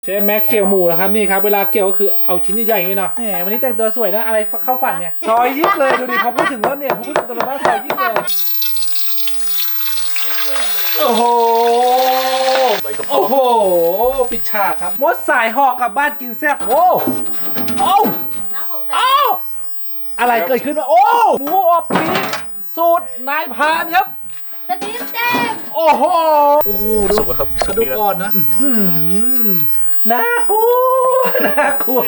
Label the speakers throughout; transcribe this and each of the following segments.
Speaker 1: เชฟแม็กเกี่ยวหมูแล้วครับนี่ครับเวลาเกี่ยวก็คือเอาชิ้นใหญ่ๆอย่างนี้เนาะแหมวันนี้แต่งตัวสวยนะอะไรเข้าฝันเนี่ยซอยยิบเลยดูดิพอพูดถึงรถเนี่ยพอพูดถึงตัวรถบ้านซอยยิบเลยโอ้โหโอ้โหปิดฉากครับมดสายหอกกลับบ้านกินแซ่บโอ้โอ้โอ้อะไรเกิดขึ้นวะโอ้หมูอบปี๊บสูตรนายพรานครับ
Speaker 2: สตีฟเต็ม
Speaker 1: โอ้โหโอ้โหดูกระดูกอ่อนนะน่ากลัวน่ากลัว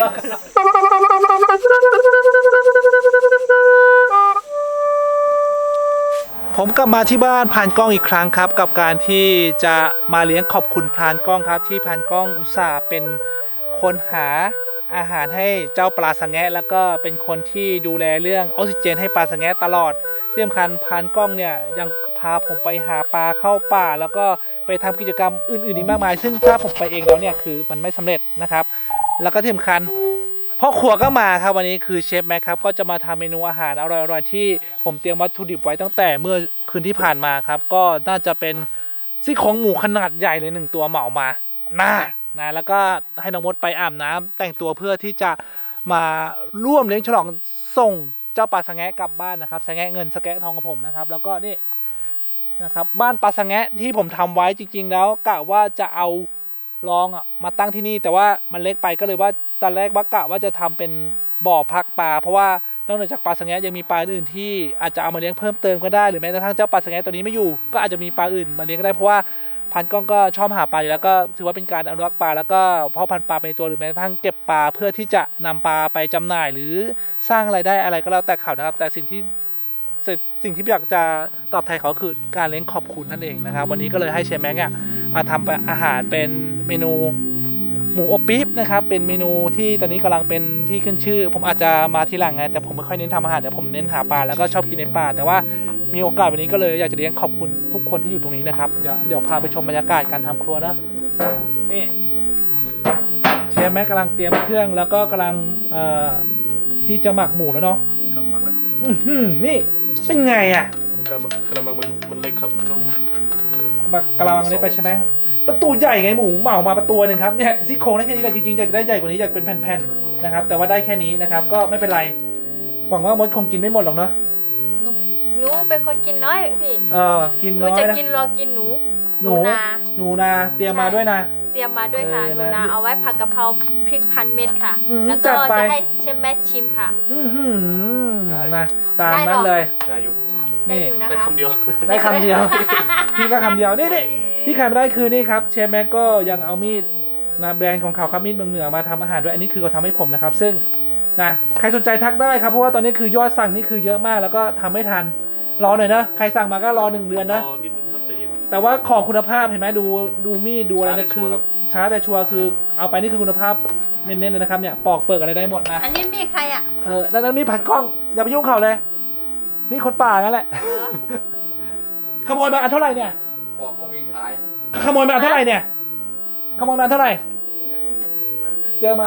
Speaker 1: ผมกลับมาที่บ้านพรานกล้องอีกครั้งครับกับการที่จะมาเลี้ยงขอบคุณพรานกล้องครับที่พรานกล้องอุตส่าห์เป็นคนหาอาหารให้เจ้าปลาสะแงะแล้วก็เป็นคนที่ดูแลเรื่องออกซิเจนให้ปลาสะแงะตลอดที่สำคัญพรานกล้องเนี่ยยังพาผมไปหาปลาเข้าป่าแล้วก็ไปทำกิจกรรมอื่นๆอีกมากมายซึ่งถ้าผมไปเองแล้วเนี่ยคือมันไม่สำเร็จนะครับแล้วก็ที่สำคัญพ่อครัวก็มาครับวันนี้คือเชฟแม็กครับก็จะมาทำเมนูอาหารอร่อยๆที่ผมเตรียมวัตถุดิบไว้ตั้งแต่เมื่อคืนที่ผ่านมาครับก็น่าจะเป็นซี่โครงหมูขนาดใหญ่เลย1ตัวเหมามานะแล้วก็ให้น้องมดไปอาบน้ำแต่งตัวเพื่อที่จะมาร่วมเลี้ยงฉลองส่งเจ้าปลาสะแงะกลับบ้านนะครับสะแงะเงินสะแงะทองของผมนะครับแล้วก็นี่นะครับบ้านปลาสะแงะที่ผมทำไว้จริงๆแล้วกะว่าจะเอารองมาตั้งที่นี่แต่ว่ามันเล็กไปก็เลยว่าตอนแรกว่ากะว่าจะทำเป็นบ่อพักปลาเพราะว่านอกจากปลาสะแงะยังมีปลาอื่นที่อาจจะเอามาเลี้ยงเพิ่มเติมก็ได้หรือแม้กระทั่งเจ้าปลาสะแงะตัวนี้ไม่อยู่ก็อาจจะมีปลาอื่นมาเลี้ยงก็ได้เพราะว่าพันกล้องก็ชอบหาปลาอยู่แล้วก็ถือว่าเป็นการอนุรักษ์ปลาแล้วก็เพาะพันธุ์ปลาไปในตัวหรือแม้กระทั่งเก็บปลาเพื่อที่จะนำปลาไปจำหน่ายหรือสร้างรายได้อะไรก็แล้วแต่เขานะครับแต่สิ่งที่อยากจะตอบแทนเขาคือการเลี้ยงขอบคุณนั่นเองนะครับวันนี้ก็เลยให้เชฟแม็กมาทำอาหารเป็นเมนูหมูอบปี๊บนะครับเป็นเมนูที่ตอนนี้กำลังเป็นที่ขึ้นชื่อผมอาจจะมาทีหลังไงแต่ผมไม่ค่อยเน้นทำอาหารแต่ผมเน้นหาปลาแล้วก็ชอบกินในป่าแต่ว่ามีโอกาสวันนี้ก็เลยอยากจะเลี้ยงขอบคุณทุกคนที่อยู่ตรงนี้นะครับเดี๋ยวพาไปชมบรรยากาศการทำครัวนะนี่เชฟแม็กกำลังเตรียมเครื่องแล้วก็กำลังที่จะหมักหมูแล้วเนาะ
Speaker 3: ครับหมักแล้ว
Speaker 1: นี่เป็นไงอ่ะ
Speaker 3: กระมังมันเล็กครับต้อง
Speaker 1: หมักกระมังนี้ไปใช่ไหมประตูใหญ่ไงหมูเหมามาประตูหนึ่งครับเนี่ยซี่โครงได้แค่นี้แหละจริงๆอยากได้ใหญ่กว่านี้อยากเป็นแผ่นๆนะครับแต่ว่าได้แค่นี้นะครับก็ไม่เป็นไรหวังว่ามดคงกินไม่หมดหรอกเนาะ
Speaker 2: หนูเป็นคนกินน้อยพี่
Speaker 1: กิน
Speaker 2: หนู
Speaker 1: น้อยนะ
Speaker 2: จะกินรอกินหนู
Speaker 1: นาเตรียมมาด้วยนะ
Speaker 2: เตรียมมาด้วยค่ะหนูนาเอาไว้ผัดกะเพราพริกพันเม็ดค่ะแล้วก็จะให้เชฟแม็กชิมค่ะ
Speaker 1: นะตามนั้นเลย
Speaker 3: ได้อยู่
Speaker 2: ได้อยู่นะคะ
Speaker 3: ได้คำเดียว
Speaker 1: ได้คำเดียวพี่ก็คำเดียวนี่ที่ขายไม่ได้คือนี่ครับเชฟแม็กก็ยังเอามีดนะแบรนด์ของเขาครับมีดเมืองเหนือมาทำอาหารด้วยอันนี้คือเขาทำให้ผมนะครับซึ่งนะใครสนใจทักได้ครับเพราะว่าตอนนี้คือยอดสั่งนี่คือเยอะมากแล้วก็ทำไม่ทันรอหน่อยนะใครสั่งมาก็รอ1 เดือนนะ
Speaker 3: นิดนึงครับใจเย็น
Speaker 1: แต่ว่าของคุณภาพเห็นไหมดูมีดดูอะไรเนี่ยคือช้าแต่ชัวร์คือเอาไปนี่คือคุณภาพเน้นๆเลยนะครับเนี่ยปอกเปิดอะไรได้หมดนะ
Speaker 2: อันนี้มีใครอ่ะ
Speaker 1: นั้นมีผัดกล้องอย่าไปยุ่งเขาเลยมีคนป่างั้นแหละขโมยมาอันเท่าไหร่เนี่ย
Speaker 4: บอกว่ามีขาย
Speaker 1: ขโมยมาอันเท่าไหร่เนี่ยขโมยมาอันเท่าไหร่เจอมา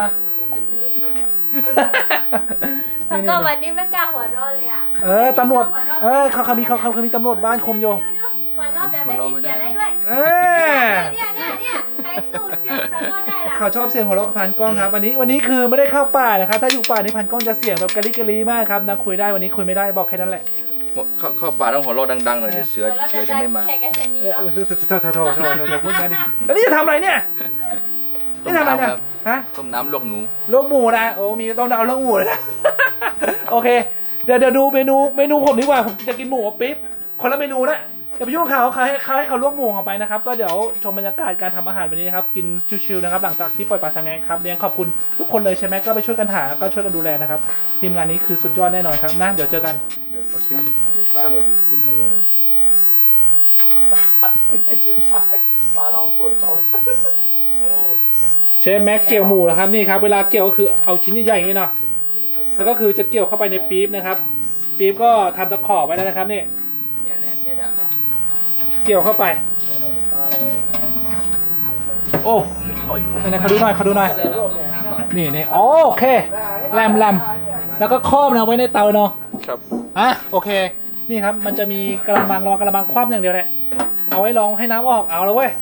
Speaker 2: แล้วก็วันนี้ไม่กล้าหัวเราะเลยอ่ะ
Speaker 1: ตำรวจเขามีตำรวจบ้านคุมอยู่
Speaker 2: หัวเราะแบบไม่มีเสียงได้ด้วยเนี่ยใครสู้เสียงหัวเราะได้ล่ะ
Speaker 1: เขาชอบเสียงหัวเราะพันกล้องครับวันนี้คือไม่ได้เข้าป่านะครับถ้าอยู่ป่านี่พันกล้องจะเสียงแบบกะลิกะลีมากครับนะคุยได้วันนี้คุยไม่ได้บอกแค่นั้นแหละ
Speaker 4: เข้าป่าต้องหัวเราะดังๆหน่อยเสือจะไม่มา
Speaker 1: โถพูดงั้นดิแล้วนี่จะทำอะไรเนี่ยนี่ทำอะไรเนี่ยฮะ
Speaker 4: ต้มน้ำลวกหนู
Speaker 1: ลวกหมูนะโอ้มีต้องเอาลวกหมูเลยนะโอเคเดี๋ยวดูเมนูผมดีกว่าผมจะกินหมูอบปิ๊บคนละเมนูนะอย่าไปยุ่งเขาให้เขาลวกหมูออกไปนะครับก็เดี๋ยวชมบรรยากาศการทำอาหารวันนี้นะครับกินชิวๆนะครับหลังจากที่ปล่อยปลาสะแงะครับเลี้ยงขอบคุณทุกคนเลยใช่ไหมก็ไปช่วยกันหาก็ช่วยกันดูแลนะครับทีมงานนี้คือสุดยอดแน่นอนครับนะเดี๋ยวเจอกันเชฟแม็กเกี่ยวหมูแล้วครับนี่ครับเวลาเกี่ยวก็คือเอาชิ้นใหญ่ๆอย่างนี้เนาะแล้วก็คือจะเกี่ยวเข้าไปในปี๊บนะครับปี๊บก็ทำตะขอไว้แล้วนะครับนี่เกี่ยวเข้าไปโอ้นี่เขาดูหน่อยนี่โอเคแรมแล้วก็ครอบนะไว้ในเตาเนาะ
Speaker 3: ครับ
Speaker 1: โอเคนี่ครับมันจะมีกระมังรองกระมังคว่ำอย่างเดียวแหละเอาไว้รองให้น้ำออกเอาแล้วเว้ย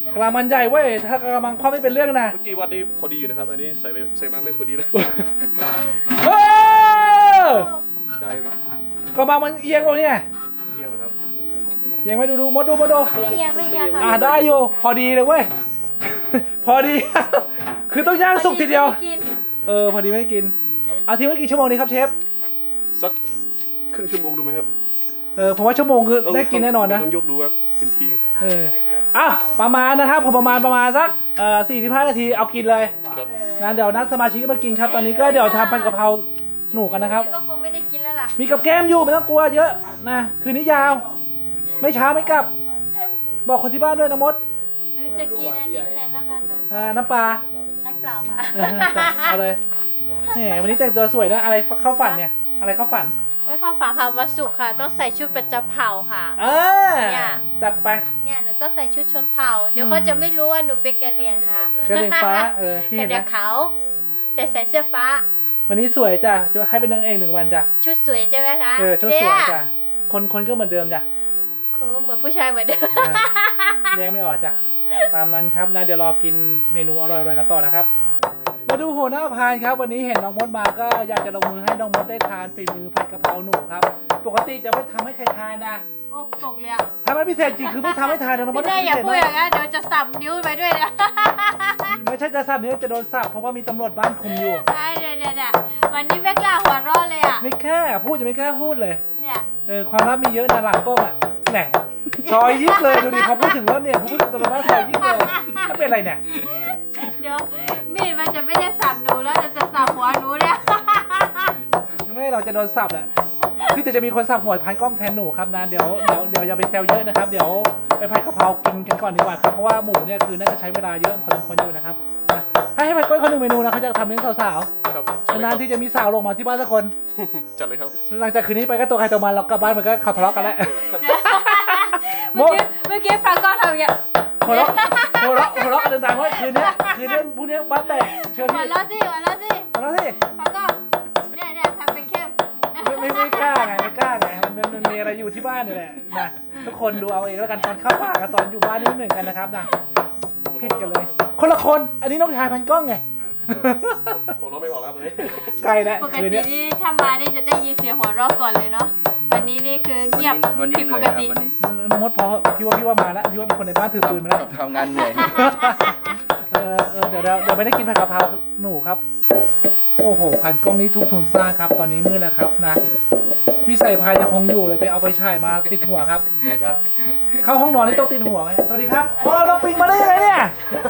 Speaker 1: กระมังใหญ่เว้ยถ้ากระมังคว่ำไม่เป็นเรื่องนะ
Speaker 3: เมื่อกี้วัดนี้พอดีอยู่นะครับ อันนี้ใส่มาไม่พอดีเลย
Speaker 1: เออ
Speaker 3: ได้ไหม
Speaker 1: กระมังมันเอียงวะเนี่ย
Speaker 3: เที่ยงนะครับ
Speaker 1: เอียงไหมดูมดดู
Speaker 2: ไม่เอียงค่ะ
Speaker 1: ได้อยู่พอดีเลยเว้ย พอดี คือต้องย่างสุกทีเดียว
Speaker 2: กิน
Speaker 1: พอดีไม่ได้กินเอาทิ้งไว้กี่ชั่วโมงนี้ครับเชฟ
Speaker 3: สักครึ่งชั่วโมงดูไหมครับ
Speaker 1: ผมว่าชั่วโมงคือได้กินแน่นอนนะ
Speaker 3: ต้องยกดูครับเป็นที
Speaker 1: อ้าวประมาณนะครับผมประมาณสัก45 นาทีเอากินเลย
Speaker 3: ครับ
Speaker 1: นะเดี๋ยวนัดสมาชิกมากินครับ ตอนนี้ก็เดี๋ยวทำผัดกะเพราหนูกันนะครับ
Speaker 2: ก็คงไม่ได้กินแล้วล่ะ
Speaker 1: มีกับแก้มอยู่ไม่ต้องกลัวเยอะนะคืนนี้ยาว ไม่ช้าไม่กลับ บอกคนที่บ้านด้วยนะมด
Speaker 2: หรือจะกินอันนี้แทนแล้วกันค่ะ
Speaker 1: น้ำปลา
Speaker 2: น้ำเปล่าค่ะ
Speaker 1: เอาเลยนี่วันนี้แต่งตัวสวยนะอะไรเข้าฝันเนี่ยอะไรเข้าฝัน
Speaker 2: ไม่เข้าฝาค่ะวันศุกร์ค่ะ ต้องใส่ชุดประจำเผ่าค่ะ เนี่ย
Speaker 1: จัดไป
Speaker 2: เนี่ยหนูต้องใส่ชุดชนเผ่า เดี๋ยวเขาจะไม่รู้ว่าหนูเป็นกะเหรี่ยงค่ะ
Speaker 1: กระเด็นฟ้าพี่
Speaker 2: กะ
Speaker 1: เห็น
Speaker 2: เหรี่ยง
Speaker 1: นะ
Speaker 2: ขาวแต่ใส่เสื้อฟ้า
Speaker 1: วันนี้สวยจ้ะจะให้เป็นนางเอก1 วันจ้ะ
Speaker 2: ชุดสวยใช่ไหมคะ
Speaker 1: ชุดสวยจ้ะคนก็เหมือนเดิมจ้ะ
Speaker 2: คือเหมือนผู้ชายเหมือนเดิม
Speaker 1: แยกไม่ออกจ้ะตามนั้นครับนะเดี๋ยวรอกินเมนูอร่อยๆกันต่อนะครับ มาดูหัวหน้าพานครับวันนี้เห็นน้องมดมาก็อยากจะลงมือให้น้องมดได้ทานฝีมือผัดกะเพราหนูครับปกติจะไม่ทำให้ใครทานนะ
Speaker 2: โอ้ตกเลยอะ
Speaker 1: ทำให้พิเศษจริงคือไม่ทำให้ทานนะน้องมด
Speaker 2: พี่เต้อย่าพูดอย่างนั้นเดี๋ยวจะสับนิ้วไปด้วยนะ
Speaker 1: ไม่ใช่จะสับนี้จะโดนสับเพราะว่ามีตำรวจบ้านคุมอยู่
Speaker 2: เนี่ยวันนี้ไม่กล้าหัวเราะเลยอ่ะ
Speaker 1: ไม่แค่พูดจะไม่แค่พูดเลย
Speaker 2: เนี่ย
Speaker 1: ความลับมีเยอะนะหลังกล้องอ่ะแหน่ซอยยิกเลยดูดิพอพูดถึงแล้วเนี่ยพอพูดถึงตำรวจบ้านซอยยิกเลยถ้าเป็นอะไรเนี่ย
Speaker 2: เดี๋ยวมีดมันจะไม่ได้สับหนูแล้วจะสับหัวหนูเนี่ย
Speaker 1: ไม่เราจะโดนสับแหละคือจะมีคนสับหัวพันกล้องแทนหนูครับนะเดี๋ยวอย่าไปแซวเยอะนะครับเดี๋ยวไปผัดกะเพรากินกันก่อนดีกว่าครับเพราะว่าหมูเนี่ยคือน่าจะใช้เวลาเยอะพอสมควรอยู่นะครับให้พันกล้องเขา1 เมนูนะเขาจะทำเลี้ยงสาว
Speaker 3: ครับ
Speaker 1: ๆนานๆที่จะมีสาวลงมาที่บ้านสักคน
Speaker 3: จัดเลยครับ
Speaker 1: หลังจากคืนนี้ไปก็ตัวใครตัวมันเรากลับบ้านมันก็เขาทะเลาะกันแล้ว
Speaker 2: เมื่อกี้ฟังก็ทำอย่างเงี้ย
Speaker 1: หัวเราะกันดังๆว่าคืนนี้พรุ่งนี้บ้านแตกเชื่อ
Speaker 2: หัว
Speaker 1: พี่
Speaker 2: เราะสิหัวเราะสิ
Speaker 1: หัวเราะสิ
Speaker 2: ฟังก็เนี่ยทำเป็นเข้ม
Speaker 1: ไม่กล้าไงมันมีอะไรอยู่ที่บ้านนี่แหละนะทุกคนดูเอาเองแล้วกันตอนเข้าป่ากับตอนอยู่บ้านนี่ไม่เหมือนกันนะครับนะผิดกันเลย คนละคนอันนี้น้องชายพันกล้องไง
Speaker 3: ผมเราไม่บอกแล้วเลย
Speaker 1: ไกลแล้ว
Speaker 2: ปก
Speaker 1: คืน
Speaker 2: ติ
Speaker 1: นี้
Speaker 2: นี่ถ้ามานี่จะได้ยินเสียงหัวเราะก่อนเลยเนาะวันนี้นี่คือเงียบ
Speaker 4: วันนี้
Speaker 2: ผิด
Speaker 4: เห
Speaker 2: ป
Speaker 4: นื่อย
Speaker 2: ก
Speaker 4: ครับ
Speaker 2: ติ
Speaker 4: วันนี้
Speaker 1: น้องมดพอพี่ว่ามาแล้วพี่ว่ามีคนในบ้านถือปืนมาแล้ว
Speaker 4: ทำงานเหนื่อย
Speaker 1: เดี๋ยวไม่ได้กินผัดกะเพราหนูครับโอ้โหพันกล้องนี้ทุกทุนสร้างครับ ตอนนี้มืดแล้วครับนะพี่ใส่พายยังคงอยู่เลยไปเอาไปฉายมาติดหัวครับเข้าห้องนอนนี่ต้องติดหัวไหมสวัสดีครับโอ้เราปิงมาได้ยังไงเนี่ย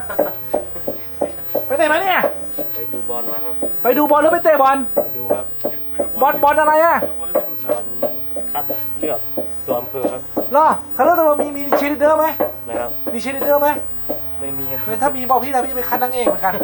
Speaker 1: ไปไหนมาเนี่ย
Speaker 3: ไปดูบอลมาครับ
Speaker 1: ไปดูบอลหรือไปเตะบอล
Speaker 3: ไปดูครับ
Speaker 1: บอลอะไรอ่ะ
Speaker 3: บอลคัดเลือกตัวอำเภอครับ
Speaker 1: เหรอเขาเลือกตัวมีเชียร์ลีดเดอร์ไหม
Speaker 3: นะครับ
Speaker 1: มีเชียร์ลีดเดอร์ไหม
Speaker 3: ไม่มี
Speaker 1: ถ้ามีบอกพี่นะพี่จะไปคัดนางเอกเหมือนกัน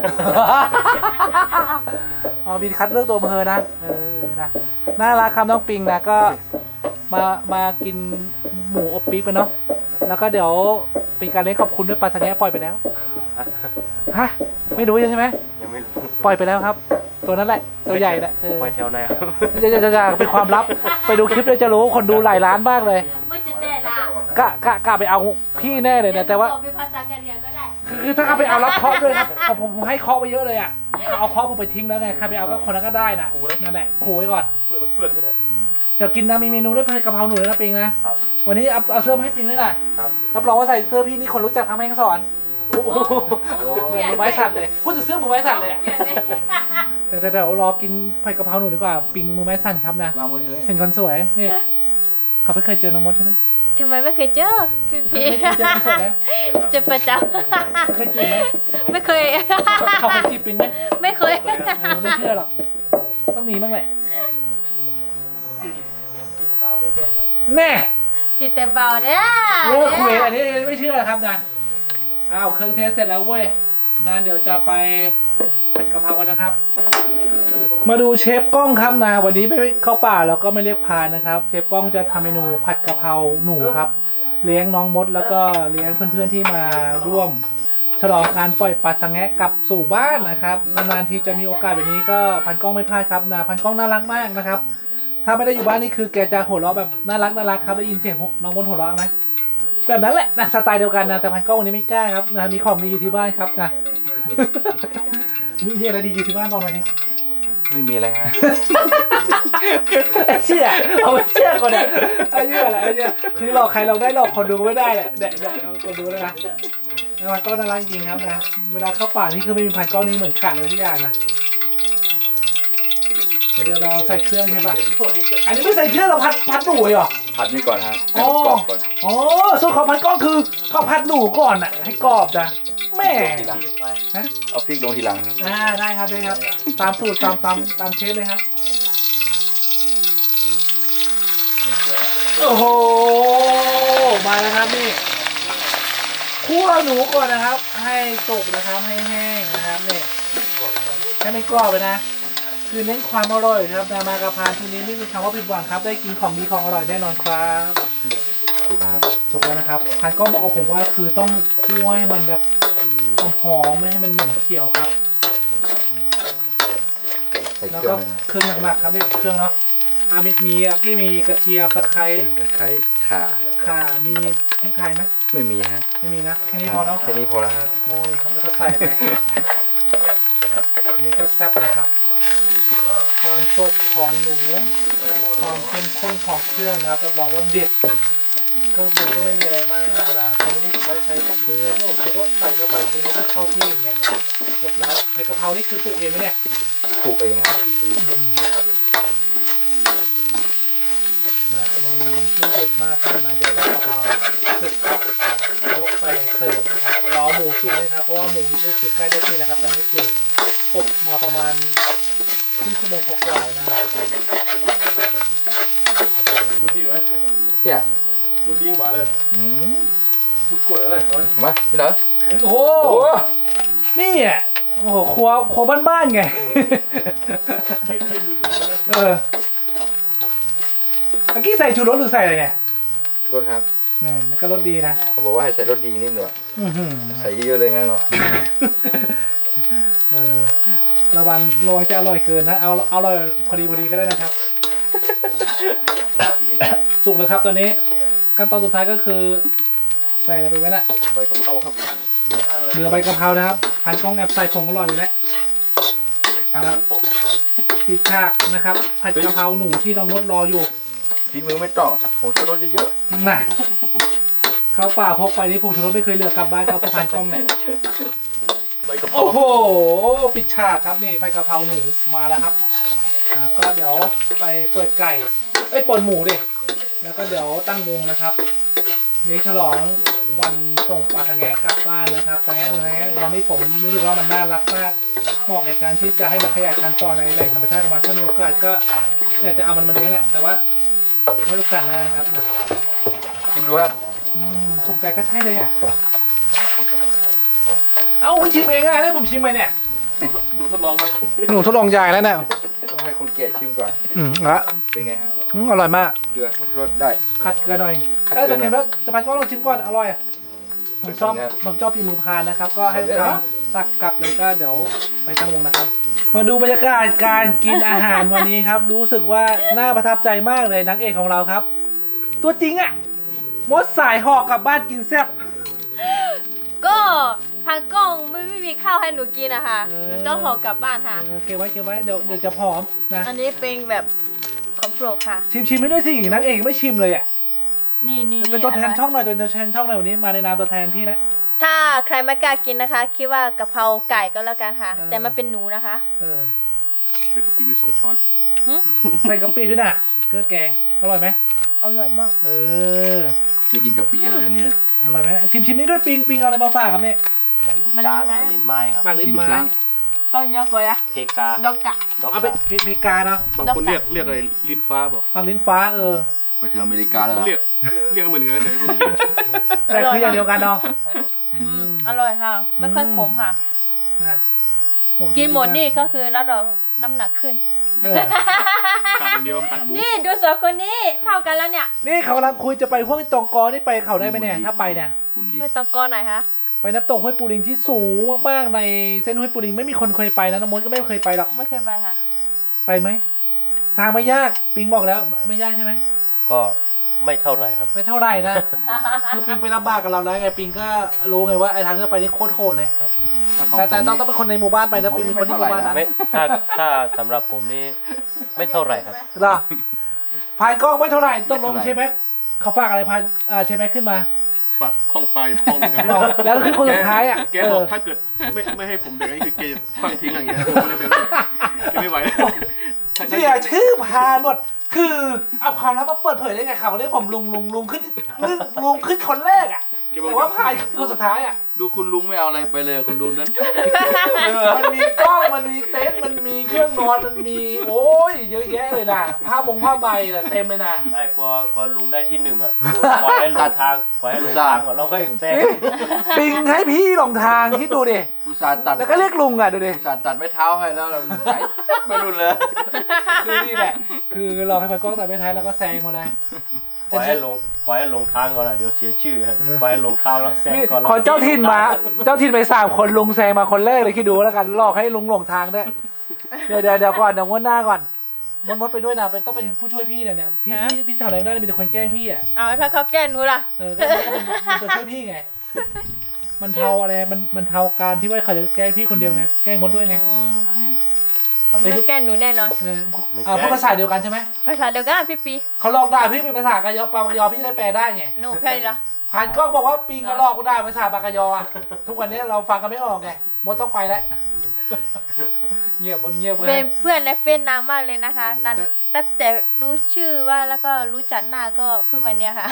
Speaker 1: อ๋อมีคัดเลือกตัวอำเภอนะนะน่ารักครับน้องปิงนะก็มากินหมูอบปี๊บกันเนาะแล้วก็เดี๋ยวเป็นการเลี้ยงขอบคุณด้วยปลาสังแงปล่อยไปแล้วฮะไม่รู้ใช่ไหม
Speaker 3: ยังไม่รู้
Speaker 1: ปล่อยไปแล้วครับ ตัวนั้นแหละตัวใหญ่แหละ
Speaker 3: ไปแถวไหนครับ
Speaker 1: จะเป็นความลับไปดูคลิปเลยจะรู้คนดูหลายล้านมากเลย
Speaker 2: มือจะเต้นละ
Speaker 1: กะไปเอาพี่แน่เลยนะแต่ว่า
Speaker 2: เป็นภาษากะเหรี่ยงก็ได้
Speaker 1: คือถ้าเขาไปเอารับเคาะด้วยครับผมให้เคาะไปเยอะเลยอ่ะเอาเคาะผมไปทิ้งแล้วไงใครไปเอาก็คนนั้นก็ได้นะนั่นแหละขู่ไว้ก่อน
Speaker 3: เปื่อนก็ได้
Speaker 1: เดี๋ยวกินนะมีเมนูด้วยผัดกะเพราหนูเลยนะปิงนะครับ วันนี้เอาเสื้อมาให้ปิงด้วยนะครับ รับรองว่าใส่เสื้อพี่นี่คนรู้จักทำให้ทั้งสอนเหมือนมือไม้สั่นเลยพูดถึงเสื้อมือไม้สั่นเลยอะ
Speaker 2: เปลี่ยนเลย
Speaker 1: แต่เดี๋ยวรอกินผัดกะเพราหนูดีกว่าปิงมือไม้สั่นครับนะ
Speaker 4: วางบนนี้เลย
Speaker 1: เห็นคนสวยนี่เขาไม่เคยเจอน้องมดใช่ไหม
Speaker 2: ทำไมไม่เคยเจอพี่
Speaker 1: ไม่เคยเจอคนสวยไหม
Speaker 2: เจะประจ
Speaker 1: เคยจีบไหม
Speaker 2: ำไม่เคย
Speaker 1: เขาเคยจีบปิงไหม
Speaker 2: ไม่เคย
Speaker 1: ไม่เชื่อหรอกต้องมีบ้างแหละแน่
Speaker 2: จิตแต่เบาเนี่ย
Speaker 1: เลิกคุยอันนี้ไม่เชื่อครับนะอ้าวเครื่องเทสเสร็จแล้วเว้ยงั้นเดี๋ยวจะไปผัดกะเพรากันนะครับ มาดูเชฟกล้องครับนะวันนี้ไปเข้าป่าแล้วก็ไม่เรียกพานนะครับเชฟกล้องจะทำเมนูผัดกะเพราหนูครับเลี้ยงน้องมดแล้วก็เลี้ยงเพื่อนๆที่มาร่วมฉลองการปล่อยปลาสังแงะกลับสู่บ้านนะครับนานๆทีจะมีโอกาสแบบนี้ก็พันกล้องไม่พลาดครับนะพันกล้องน่ารักมากนะครับถ้าไม่ได้อยู่บ้านนี่คือแกจะหัวเราะแบบน่ารักครับได้ยินเสียงน้องมดหัวเราะไหมแบบนั้นแหละนะสไตล์เดียวกันนะแต่พันกล้องวันนี้ไม่กล้าครับนะมีของดีอยู่ที่บ้านครับนะ มีอะไรดีอยู่ที่บ้านตอนนี้
Speaker 4: ไม่มีอะไรฮะ
Speaker 1: เชื่อเอาไปเชื่อก่อนเนี่ยไอ้เชื่อแหละไอ้เชื่อคือหลอกใครเราได้หลอกคนดูไม่ได้แหละเด็กคนดูแล้วนะแล้วมันก็น่ารักจริงครับนะเวลาเข้าป่านี่คือไม่มีพันกล้องนี้เหมือนขาดเลยทุกอย่างนะเดี๋ยวเราใส่เครื่องใช่ปะอันนี้ไม่ใส่เครื่องเราพัดหนูเหรอ
Speaker 4: ผัดนี่ก่อนฮะให้มันกรอบก่อน
Speaker 1: อ๋อส่วนของพันกล้องคือเขาพัดหนูก่อนอ่ะให้กรอบนะแม่
Speaker 4: ทีหลังเอาพริกลงทีหลังครับ
Speaker 1: ได้ครับได้ครับตามสูตรตามเชฟเลยครับโอ้โหมาแล้วครับนี่คั่วหนูก่อนนะครับ ให้สุกนะครับให้แห้งนะครับนี่ให้ไม่กรอบเลยนะคือเน้นความอร่อยครับนามากระพานทีนี้ไม่มีคำว่าผิดหวังครับได้กินของดีของอร่อยแน่นอนครับ
Speaker 4: ถูกครับ
Speaker 1: สุกแล้วนะครับพันก็บอกผมว่าคือต้องคั่วให้มันแบบหอมๆไม่ให้มันเหม็นเขียวครับ
Speaker 4: ใส่
Speaker 1: แล้ว
Speaker 4: เครื่
Speaker 1: ก็
Speaker 4: องนะ
Speaker 1: เครื่องหนักๆครับนี่เครื่องเนาะมีกี้มีกระเทียมตะไคร้
Speaker 4: ตะไคร้ข่า
Speaker 1: ข่ามีพริกไทยไหม
Speaker 4: ไม่มีฮะ
Speaker 1: ไม่มีนะแค่นี้พอเนาะ
Speaker 4: แค่นี้พอแล้วครับ
Speaker 1: โอ้ยครับแล้วก็ใส่ไปอันนี่ก็แซ่บนะครับความสดของหนูความเข้มข้นของเครื่องนะครับรับรองว่าเด็ดเครื่องปรุงก็ไม่มีอะไรมากนะตรงนี้ใช้พวกเกลือพวกรสใส่เข้าไปตรงนี้เข้าที่อย่างเงี้ยเสร็จแล้วในกะเพรานี่คือปลูกเองไหมเนี่ย
Speaker 4: ปลูกเองครับ
Speaker 1: เป็นเมนูที่เด็ดมากครับนะเดี๋ยวเราเอาสึกครับยกไปเสิร์ฟนะครับรอหมูสุกเลยครับเพราะว่าหมูนี่คือใกล้ได้ที่แล้วครับตอนนี้คืออบมาประมาณครึ่งชั่วโมงกว่าๆนะครับ
Speaker 3: ดูดีไหม
Speaker 4: เนี่ย
Speaker 3: ดูดีกว่าเลย
Speaker 4: อืม
Speaker 3: ดูกดอะไรก่อน
Speaker 4: มาพี่เหรอ
Speaker 1: โอ้โหนี่อ่ะโอ้โหครัวบ้านๆไง เมื่อกี้ใส่ชูรสหรือใส่อะไรเนี่ย
Speaker 4: รสครับ
Speaker 1: มันก็รสดีนะ
Speaker 4: เขาบอกว่าให้ใส่รสดีนิดหน่อย
Speaker 1: อื้อหือ
Speaker 4: ใส่เยอะๆเลยงั้นเหรอ
Speaker 1: เออระวังจะอร่อยเกินนะเอาอร่อยพอดีก็ได้นะครับ สุกแล้วครับตอนนี้ขั้นตอนสุดท้ายก็คือใส่อะไรไปไว้นะ
Speaker 3: ใบกะเพราครับ
Speaker 1: เหลือใบกะเพรานะครับพันกล้องแอบใส่ผงอร่อยอยู่แล้ว
Speaker 3: ครับ
Speaker 1: ปิดฉากนะครับผัดกะเพราหนูที่น้องมดรออยู่
Speaker 4: ฝีมือไม่ต้องโหชูรสเยอะ
Speaker 1: น่ะเข้าป่าพกไปนี่ผงชูรสไม่เคยเหลือกลับบ้านเขาพันกล้องเนี่ย
Speaker 3: ใบกะเพรา
Speaker 1: โอ้โหปิดฉากครับนี่ใบกะเพราหนูมาแล้วครับก็เดี๋ยวไปเปิดไก่เปิดหมูดิแล้วก็เดี๋ยวตั้งวงนะครับนี้ฉลองวันส่งปลาทะแงะกลับบ้านนะครับทะแงะตอนนี้ผมรู้สึกว่ามันน่ารักมากเหมาะในการที่จะให้มันขยายพันธุ์ต่อในแหล่งธรรมชาติของมันถ้ามีโอกาสก็อยากจะเอามันมาเลี้ยงแหละแต่ว่าไม่โอกาสหน้านะครับ
Speaker 4: ๆชิมดูครับ
Speaker 1: ถูกใจก็ใช่เลยอ่ะเอาคุณชิมเองอะแล้วผมชิมไปเนี่ย
Speaker 3: ดูทดลองครับ
Speaker 1: หนูทดลองใหญ่แล้วเนี่ย
Speaker 4: ต้องให้คนแก่ชิมก่อน
Speaker 1: ละ
Speaker 4: เป็นไงครับ
Speaker 1: อร่อยมาก
Speaker 4: เกลือผงชูรสได้
Speaker 1: คัดเกลือหน่อย
Speaker 4: คัดเกลือ
Speaker 1: แต่เห็นว่าจะพันก็ลองชิมก่อนอร่อยอะผมชอบ
Speaker 4: ครับ
Speaker 1: ผมชอบพีมือพานนะครับ ก็ให้
Speaker 4: เดี๋ยว
Speaker 1: ท
Speaker 4: นะ
Speaker 1: ำตักกลับเลยก็เดี๋ยวไปตั้งวงนะครับ มาดูบรรยากาศการกินอาหารวันนี้ครับ รู้สึกว่าน่าประทับใจมากเลยนางเอกของเราครับ ตัวจริงอะมดสายหอกกลับบ้านกินแซ่บ
Speaker 2: ก็พันกล้องไม่มีข้าวให้หนูกินนะคะ
Speaker 1: เออ
Speaker 2: หนูต้องห่อกลับบ้านค่ะ
Speaker 1: เก็บไว้เดี๋ยวจะผอมนะ
Speaker 2: อันนี้เป็นแบบของโปรดค่ะ
Speaker 1: ชิมไม่ด้วยสินางเอกไม่ชิมเลยอ่ะ
Speaker 2: นี่
Speaker 1: เป็นตัวแทนช่องหน่อยเป็นตัวแทนช่องหน่อยวันนี้มาในนามตัวแทนพี่นะ
Speaker 2: ถ้าใครไม่กล้ากินนะคะ คิดว่ากะเพราไก่ก็แล้วกันค่ะ
Speaker 1: เออ
Speaker 2: แต่มันเป็นหนูนะคะ
Speaker 1: เออ
Speaker 3: ใส่กะปิไป2 ช้อน
Speaker 2: หึ
Speaker 1: ใส่กะปิด้วยนะเครื่องแกงอร่อยไหม
Speaker 2: อร่อยมาก
Speaker 1: เออ
Speaker 4: จะกินกะปิแล้วเดี๋ยวนี้
Speaker 1: อร่อยไหมชิมนี้ด้วยปิงเอาอะไรมาฝากครับเนี่ย
Speaker 2: มัน
Speaker 3: จาน
Speaker 2: ลิ้นไม้
Speaker 3: ลิ้นไม้ครับ
Speaker 1: ปากลิ้นไม้
Speaker 2: ต้องยอกเลยอะ
Speaker 3: เพกา
Speaker 2: ดอกกะ
Speaker 3: ด็อก
Speaker 1: เอาไปเพกาเนาะ
Speaker 3: บางคนเรียกอะไรลิ้นฟ้าเปล่า
Speaker 1: ปากลิ้นฟ้าเออ
Speaker 4: ไปถึงอเมริกาแล้วเหรอ
Speaker 3: เรียกเหมือนกันแต่ไม่กิน
Speaker 1: แต่คืออย่างเดียวกันเนาะ
Speaker 2: อร่อยค่ะ ไม่ค่อยขมค่ะ
Speaker 1: นะโ
Speaker 2: กินหมดนี่ก็คือแล้วเราน้ำหนักขึ้น
Speaker 1: เออ
Speaker 3: ขาดอย่างเดียวขาดหมู
Speaker 2: นี่ดูสองคนนี้เท่ากันแล้วเนี่ย
Speaker 1: นี่เขากำลังคุยจะไปห้วยตองกอนี่ไปเขาได้ไหมเนี่ยถ้าไปเนี่ย
Speaker 4: คุณดี
Speaker 2: ไม่ต้องก้อนไหนคะ
Speaker 1: ไปน้ำตกห้วยปูลิงที่สูงมากๆในเส้นห้วยปูลิงไม่มีคนเคยไปนะน้ำมดก็ไม่เคยไปหรอก
Speaker 2: ไม่เคยไปค่ะ
Speaker 1: ไปไหมทางไม่ยากปิงบอกแล้วไม่ยากใช่ไหม
Speaker 3: ก็ไม่เท่าไหร่ครับ
Speaker 1: ไม่เท่าไหร่นะ คือปิงไปลำบากกับเราแล้วไงปิงก็รู้ไงว่าไอ้ทางที่เราไปนี่โคตรโหดเลย
Speaker 3: ครับ
Speaker 1: แต่ต้องเป็นคนในหมู่บ้านไปนะปิงเป็นคนที่หมู่บ้านนั้น
Speaker 3: ไม่ถ้าสำหรับผมนี่ไม่เท่าไหร่ครับ
Speaker 1: เหรอพายกล้องไม่เท่าไหร่ต้องลงใช่ไหมเขาฝากอะไรพายใช่ไหมขึ้นมา
Speaker 5: ฝากข้องปลาอยู่ข้องหนึงครับ
Speaker 1: แล้วคือคนสุดท้ายอ่ะ
Speaker 5: แกบอกถ้าเกิดไม่ให้ผมเบรกนี่คือแกจะฟังทิ้งอะไรอย่างเงี้ยผมไม่ได้เบรกเลยแกไม่ไหวแล้ว
Speaker 1: เสียชื่อพานหมดคือเอาความลับมาเปิดเผยได้ไงเขาเรียกผมลุงขึ้นคนแรกอ่ะแต่ว่าพายคือคนสุดท้ายอ่ะ
Speaker 4: ดูคุณลุงไม่เอาอะไรไปเลยคุณลุงนั้น
Speaker 1: มันมีกล้องมันมีเต็นท์มันมีเครื่องนอนมันมีโอ้ยเยอะแยะเลยนะผ้าใบน่ะเต็มเลยนะ
Speaker 3: ได้กลัวลุงได้ที่หนึ่งอ่ะปล่อยให้หลงทางก่อนเราก็แซง
Speaker 1: ปิงให้พี่หลงทางคิดดูดิ
Speaker 4: อุตส่าห์ตัด
Speaker 1: แล้วก็เรียกลุงอ่ะดูดิ
Speaker 4: อุตส่าห์ตัดไม้เท้าให้แล้วเราหายไปนู่นเลย
Speaker 1: คือนี่แหละคือเราให้พายกล้องแต่ไม่ท้ายแล้วก็แซงมาเลย
Speaker 3: ปล่อยให้หลงทางก่อนอ่ะเดี๋ยวเสียชื่อครับปล่อยให้หลงทางแล้วแซงก่อน
Speaker 1: ขอเจ้าถิ่นไป3 คนลุงแซงมาคนแรกเลยคิดดูแล้วกันลอกให้ลุงหลงทางได้วยเดี๋ยวก่อนเดี๋ยวงวดหน้าก่อนมดไปด้วยนะต้องเป็นผู้ช่วยพี่เนี่ยพี่ทำอะไรไม่ได้มีแต่คนแกล้งพี่อ่ะ
Speaker 2: เอาถ้าเขาแกล้งหนูล่ะ
Speaker 1: ก็เป็นตัวช่วยพี่ไงมันเทาอะไรมันเทาการที่ว่าเขาจะแกล้งพี่คนเดียวไงแกล้งมดด้วยไง
Speaker 2: ผมไม่แกล้งหนูแน่นอน
Speaker 1: พูดภาษาเดียวกันใช่ไหม
Speaker 2: ภาษาเดียวกันพี่ปี
Speaker 1: เขาลอกได้พี่เป็นภาษากะยอปากยอพี่ได้แปลได้ไง
Speaker 2: หนูแค่นี้ละ
Speaker 1: ผ่านกล้องบอกว่าปิงก็ลอกก็ได้ภาษาปากกยออะทุกวันนี้เราฟังกันไม่ออกไงมดต้องไปแล้วเงียบมดเงียบ
Speaker 2: เป็นเพื่อนในเฟซนานมากเลยนะคะนานตั้งแต่รู้ชื่อว่าแล้วก็รู้จักหน้าก็เพิ่งวันเนี้ยค่ะ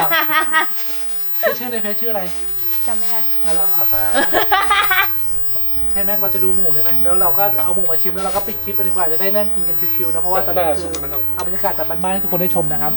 Speaker 1: ชื่อในเฟซชื่ออะไร
Speaker 2: จำไม่ได้
Speaker 1: อะไรเอาตาใช่ไหมเราจะดูหมูได้ไหมแล้วเราก็เอาหมูมาชิมแล้วเราก็ปิดคลิปกันดีกว่าจะได้นั่งกินกันชิวๆนะเพราะว่าตอนนี้คือเอาบรรยากาศแบบบ้านๆให้ทุกคนได้ชมนะครับ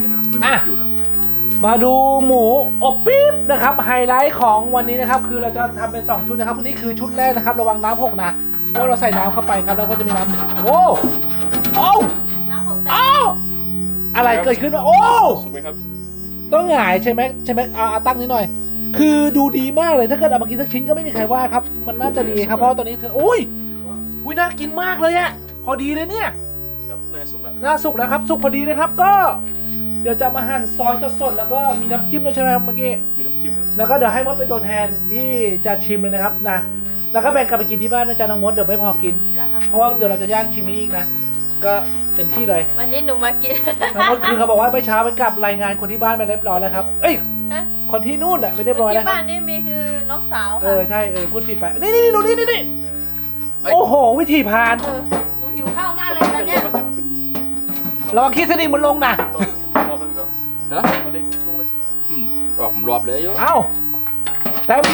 Speaker 1: มาดูหมูอบปี๊บนะครับไฮไลท์ของวันนี้นะครับคือเราจะทำเป็น2ชุดนะครับนี่คือชุดแรกนะครับระวังน้ำหกนะเพราะเราใส่น้ำเข้าไปครับแล้วก็จะมีน้ำโอ้
Speaker 2: น้ำหกใส่
Speaker 1: อะไรเกิดขึ้นวะโอ้
Speaker 5: สุกไหมครับ
Speaker 1: ต้องหงายใช่ไหมเอาตั้งนิดหน่อย คือดูดีมากเลยถ้าเกิดเอามากินสักชิ้นก็ไม่มีใครว่าครับมันน่าจะดีครับเพราะตอนนี้เธออุ้ยน่ากินมากเลยอะพอดีเลยเนี่ย
Speaker 5: ครับน่าสุกแล้ว
Speaker 1: น่าสุกแล้วครับสุกพอดีเลยครับก็ เดี๋ยวจะมาหั่นซอยสดๆแล้วก็มีน้ำจิ้มด้วยใช่ไหมครับเมื่อกี้
Speaker 5: มีน้ำจิ้มครับ
Speaker 1: แล้วก็เดี๋ยวให้มดเป็นตัวแทนที่จะชิมเลยนะครับนะแล้วก็แบ่งกลับไปกินที่บ้านนะจ๊ะน้องมดเดี๋ยวไม่พอกิน
Speaker 2: นะคะ
Speaker 1: เพราะว่าเดี๋ยวเราจะย่างชิ้นนี้อีกนะก็เต็มที่เลย
Speaker 2: วันนี้หนูมากิน
Speaker 1: น้องมดคือเขาบอกว่าเมื่อเช้าไปกลับรายงานคนที่บ้านไปเรียบร้อยแล้วครับเอ้ย
Speaker 2: ฮะ
Speaker 1: คนที่นู่นแหละไปเรียบร้อยแล้ว
Speaker 2: ที่บ้านนี่มีคือน้องสาว
Speaker 1: เอ
Speaker 2: ค่ะ
Speaker 1: อใช่พูดผิดไปนี่ดูนี่โอ้โหวิธีพาน
Speaker 2: หนูหิวข้าวมากเลยตอนเนี้ย
Speaker 1: ระวังขี้สนิมมันลงนะ
Speaker 5: รอบนึงครับ
Speaker 4: นะ
Speaker 5: เอาเล็กลงเลย
Speaker 4: ออกรอบเลยโย
Speaker 1: เอ้าแถม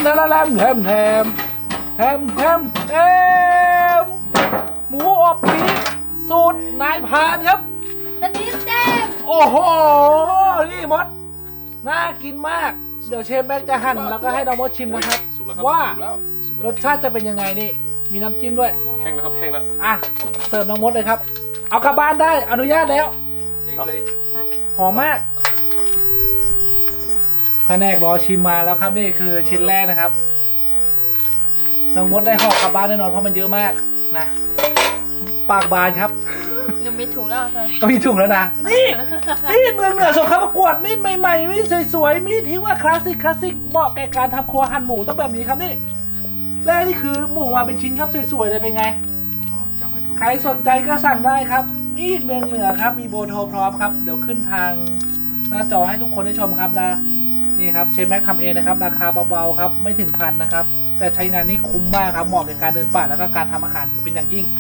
Speaker 1: หมูอบปี๊บสูตรนายพานครับ
Speaker 2: สนิมเต็ม
Speaker 1: โอ้โหนี่มดน่ากินมากเดี๋ยวเชฟแม็กจะหั่นแล้วก็ให้น้องมดชิมนะครับ
Speaker 5: สุกแล้วครับ
Speaker 1: ว่า
Speaker 4: ถูกแล้ว
Speaker 1: รสชาติจะเป็นยังไงนี่มีน้ำจิ้มด้วย
Speaker 5: แห้งแล้วครับแห้งแล้ว
Speaker 1: อ่ะเสิร์ฟน้องมดเลยครับ เอากลับบ้านได้อนุญาตแล้ว หอมมากแผนกรอชิมมาแล้วครับนี่คือชิ้นแรกนะครับน้องมดได้ห่อกลับบ้านแน่นอนเพราะมันเยอะมากนะปากบานครับ
Speaker 2: หนูมีถุงแล้วค่ะ
Speaker 1: ต้องมีถุงแล้วนะนี่มีดเมืองเหนือส่งเข้าประกวดมีดใหม่ๆมีดสวยๆมีดที่ว่าคลาสสิกเหมาะแก่การทำครัวหั่นหมูต้องแบบนี้ครับนี่แรกนี่คือหมูมาเป็นชิ้นครับสวยๆเลยเป็นไง
Speaker 4: จับให้ถูก
Speaker 1: ใครสนใจก็สั่งได้ครับมีดเมืองเหนือครับมีโบโทรพร้อมครับเดี๋ยวขึ้นทางหน้าจอให้ทุกคนได้ชมครับนะนี่ครับเชฟแม็กทำเองนะครับราคาเบาๆครับไม่ถึงพันนะครับแต่ใช้งานนี่คุ้มมากครับเหมาะกับการเดินป่าแล้วก็การทำอาหารเป็นอย่างยิ่ง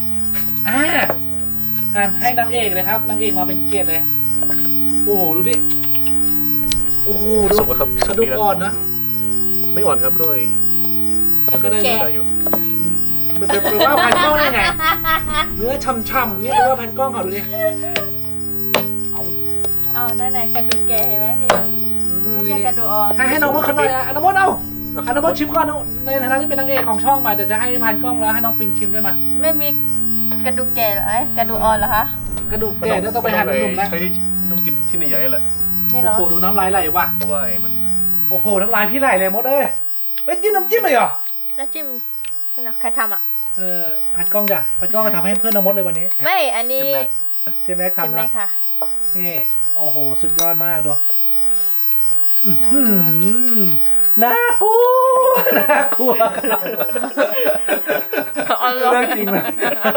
Speaker 1: ให้นางเอกเลยครับนางเอกมาเป็นเกียรติเลยโอ้โหดูดิโอ้โหดู
Speaker 5: สุกแล้วครับ
Speaker 1: กระดูกอ่อนนะ
Speaker 5: ไม่อ่อนครับด้วย
Speaker 1: มันก็ได้
Speaker 5: ได้อยู่
Speaker 1: เป็นว่าพันกล้องได้ไงเนื้อช่ำๆนี่เป็นว่าพันกล้องเขาดูดิ
Speaker 2: เอาด้านไหนกระดูกแกเห็นไหมพี่ไม่ใช่กระดูกอ่อน
Speaker 1: ให้น้องมดเขาหน่อยน้องมดเอาน้องมดชิมก่อนในฐานะที่เป็นนางเอกของช่องมาเดี๋ยวจะให้พันกล้องแล้วให้น้องปิงชิมด้วยมา
Speaker 2: ไม่มีกระดูกแกเหรอเอ้ยกระดูกอ่อนเหรอคะ
Speaker 1: กระดูกแก่เดี๋ยวต้องไปหั่นเป็นหนุ่มนะ
Speaker 5: ใช้ที่ต้องกินที่ใหญ่ๆแหละ
Speaker 2: นี่เหร
Speaker 1: โอ้
Speaker 2: อ
Speaker 1: โหดูน้ำลายไหลว่ะ
Speaker 5: เพราะว่ามัน
Speaker 1: โอ้โหน้ำลายพี่ไหลเลยมดเอ้ยเป็นจิ้มน้ำจิ้มเลยเหรอ
Speaker 2: น้ำจิ้มนี่นะใครทำอ่ะ
Speaker 1: พันกล้องจ้ะพันกล้องก็ทำให้เพื่อนน้องมดเลยวันนี้
Speaker 2: ไม่อันนี้
Speaker 1: เชฟแม็ก
Speaker 2: ใช่
Speaker 1: ทำ
Speaker 2: ไหม
Speaker 1: นะ
Speaker 2: ค่ะ
Speaker 1: นี่โโอ้โหสุดยอดมากดูน่ากลัวน่ากลัวเรื่องจริงเลย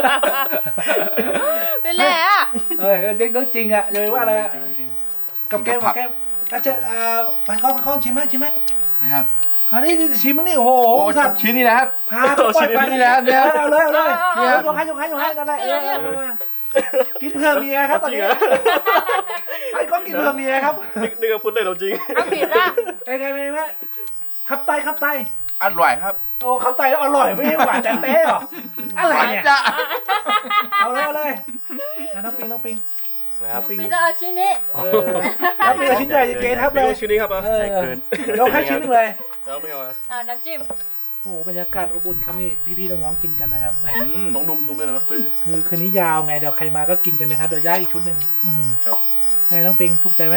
Speaker 2: เป็นไรอ่ะ
Speaker 1: เรื่องจริงอ่ะอย่าไปว่าอะไรกับแก้มอาจจะพันกล้องชิมไหม
Speaker 4: นะครับ
Speaker 1: อันนี้ชิมมั้งนี่โอ้โห
Speaker 4: โอ้
Speaker 1: สัตว์
Speaker 4: ชิ้นนี้นะครับ
Speaker 1: พาไปชิ้นนี้แล้วเนี่ยเอาเลยเนี่ยยกให้ได้กินเพื่อเมียครับตอนนี้ไอ้ก้องกินเพื่อเมียครับ
Speaker 5: นึกว่าพูดเลยเราจริง
Speaker 2: เอาผิดละ
Speaker 1: ไงขับไต
Speaker 4: อร่อยครับ
Speaker 1: โอ้ขับไตแล้วอร่อยไม่ใช่หวานจันเต้หรออะไรเนี่ย
Speaker 4: จ้ะ
Speaker 1: เอาเลยน้องปิง
Speaker 3: นะครับ
Speaker 2: ผิดละเอาชิ้นนี้
Speaker 1: น้องปิงชิ้นใหญ่เกทับเลย
Speaker 5: ชิ้นนี้ครับ
Speaker 1: ยกให้ชิ้นนึงเลย
Speaker 5: แล้วไม่เอา
Speaker 2: เอาน้ำจิ้ม
Speaker 1: โอ้บรรยากาศอบอุ่นครับนี่พี่ๆน้องๆกินกันนะครับแหม
Speaker 5: ต้องดุมเลยเหรอ
Speaker 1: คือคืนนี้ยาวไงเดี๋ยวใครมาก็กินกันนะครับเดี๋ยวย่าอีกชุดหนึ่งไงน้องปิงถูกใจไหม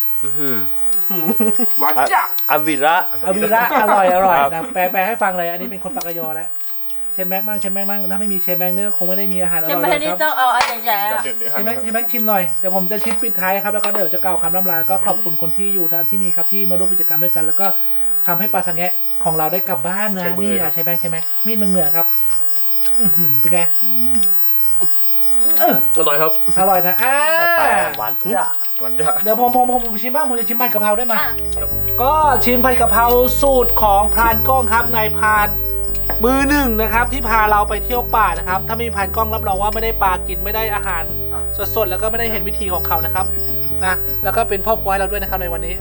Speaker 4: หวานจ้ะ
Speaker 3: อาวิระ
Speaker 1: อาวีระอร่อย
Speaker 3: ครับ
Speaker 1: นะแปลให้ฟังเลยอันนี้เป็นคนปากกยอแล้วเชนแม็กบ้างถ้าไม่มีเชนแม็กเนี่ยคงไม่ได้มีอาหารอร่
Speaker 2: จะ
Speaker 1: อย
Speaker 2: ไม่
Speaker 1: ค
Speaker 2: ได้
Speaker 1: รับ
Speaker 2: ต้องเอาอันใหญ่ๆอ่ะ
Speaker 5: เดี๋ยว
Speaker 1: เชนแม็กชิมหน่อยเดี๋ยวผมจะชิมปิดท้ายครับแล้วก็เดี๋ยวจะกล่าวคำล่ำลาก็ขอบคุณคนที่อยู่ที่นี่ครับที่มาร่วมกิจกรรมด้วยกัน แล้วก็ทำให้ปลาสังแงะของเราได้กลับบ้านนะนี่เชนแม็กมีดเมืองเหนือครับเป็นไง
Speaker 5: อร่อยครับ
Speaker 1: อร่อยนะ
Speaker 3: หวานจ้ะ
Speaker 5: หวานจ้ะ
Speaker 1: เดี๋ยวผมชิมบ้างผมจะชิมผัดกะเพราได้ไหมก็ชิมผัดกะเพราสูตรของพรานกล้องครับนายพรานมือหนึ่งนะครับที่พาเราไปเที่ยวป่านะครับถ้าไม่มีพรานกล้องรับรองว่าไม่ได้ปลากินไม่ได้อาหารสดๆแล้วก็ไม่ได้เห็นวิธีของเขานะครับนะแล้วก็เป็นพ่อครัวให้เราด้วยนะครับในวันนี้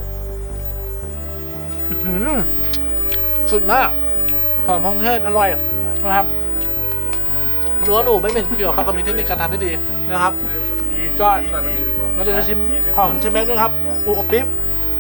Speaker 1: สุดมากหอมเครื่องเทศอร่อยนะครับรั้วหนูไม่เป็นเกี่ยวเขาก็มีเทคนิคการทำที่ดีนะครับก็เราจะชิมของเชฟแม็กด้วยครับปูอบปิ๊บ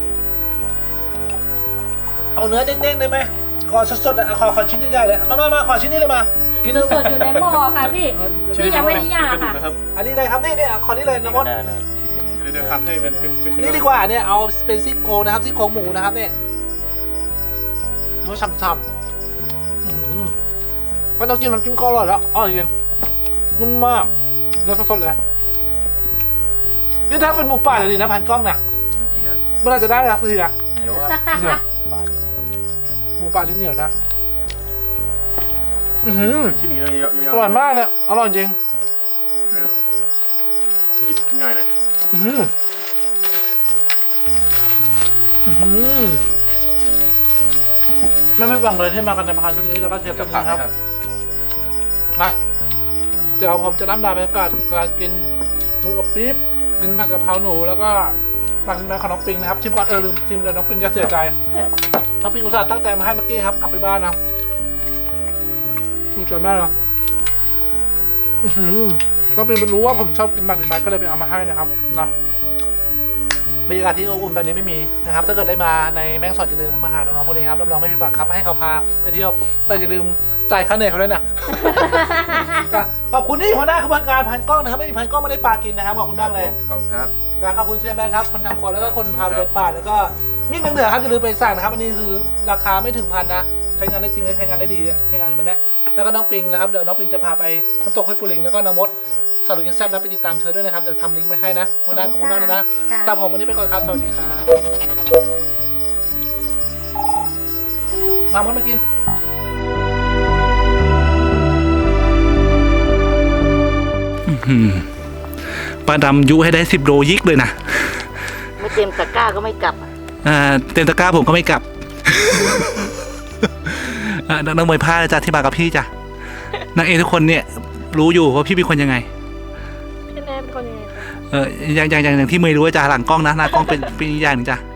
Speaker 1: เอาเนื้อเด้งๆได้ไหมขอสดๆอ่ะขอชิ้นใหญ่ๆเลยมาขอชิ้นนี้เลยมากิน
Speaker 2: สดอยู่ในหม้อค่ะพี่นี่ยังไม่ได้ย่างค่ะ
Speaker 5: นะครับ
Speaker 1: อันนี้เลยครับนี่ขอนี้เลยนะมด
Speaker 3: ได้นะ
Speaker 5: เดี๋ยวหักให้เป็น
Speaker 1: นี่ดีกว่าเนี่ยเอาเป็นซี่โครงนะครับซี่โครงหมูนะครับเนี่ยเนื้อฉ่ำๆไม่ต้องกินน้ำจิ้มก็อร่อยแล้วอร่อยจริงนุ่มมากเนื้อสดๆเลยนี่ถ้าเป็นหมูป่าเลยดีนะพันกล้องนะเมื่อไรจะได้รักทีอะ
Speaker 4: เหนียวครับ
Speaker 1: หมูป่าที่เหนียวนะ
Speaker 5: ชิ้นนี้
Speaker 1: อร่อยมากเลยอร่อยจริง
Speaker 5: หยิบง่ายหน่อย
Speaker 1: ไม่หวังเลยที่มากันในพานชุดนี้แล้วก็เชฟ
Speaker 4: จะ
Speaker 1: กัน
Speaker 4: ผัก
Speaker 1: นะครับ
Speaker 4: นะครับ
Speaker 1: มาเดี๋ยวผมจะน้ำดาบรรยากาศการกินหมูอบปี๊บกินผัดกะเพราหนูแล้วก็สั่งมาของน้องปิงนะครับชิมก่อนลืมชิมเลยน้องปิงจะเสียใจน้องปิงอุตส่าห์ตั้งใจมาให้เมื่อกี้ครับกลับไปบ้านนะถูกใจมากนะน้องปิงรู้ว่าผมชอบกินหมักดินไม้ก็เลยไปเอามาให้นะครับนะบรรยากาศที่อบอุ่นแบบนี้ไม่มีนะครับถ้าเกิดได้มาในแม่งสอดอย่าลืมมาหาน้องๆพวกนี้ครับรับรองไม่ผิดหวังครับให้เขาพาไปเที่ยวแต่อย่าลืมจ่ายค่าเหนื่อยเขาด้วยนะ ขอบคุณที่หัวหน้าขบวนการพันกล้องนะครับไม่มีพันกล้องไม่ได้ปลากินนะครับขอบคุณมากเลย
Speaker 4: ขอบคุณครับ
Speaker 1: ขอบคุณเชฟแบงค์ครับคนทำครัวแล้วก็คนพาเดินป่าแล้วก็มีดเมืองเหนือครับอย่าลืมไปสั่งนะครับอันนี้คือราคาไม่ถึงพันนะใช้งานได้จริงและใช้งานได้ดีใช้งานแบบนี้แล้วก็น้องปิงนะครับเดี๋ยวน้องปิงจะพาไปน้ำตกห้วยปูลิงแล้วก็น้ำมดสารุกินแซ่บนะไปติดตามเธอด้วยนะครับเดี๋ยวทำลิงก์ไว้ให้นะหัวหน้าขอบคุณมากเลยนะสำหรับผมวันนี้ไปก่อนครับสวัสดีครับมามดมากินปลาดำยุให้ได้10 โลยิกเลยนะ
Speaker 6: ไม่เต็มตะกร้าก็ไม่กลับ
Speaker 1: เต็มตะกร้าผมก็ไม่กลับ นักมวยพลาดจ้ะที่มากับพี่จ้ะนางเอกทุกคนเนี่ยรู้อยู่ว่าพี่เป็นคนยังไง
Speaker 2: พี่แม่เป็นคนยังไง
Speaker 1: อย่างที่เมย์รู้ว่าจ้ะหลังกล้องนะหน้ากล้องเป็นอีกอย่างหนึ่งจ้ะ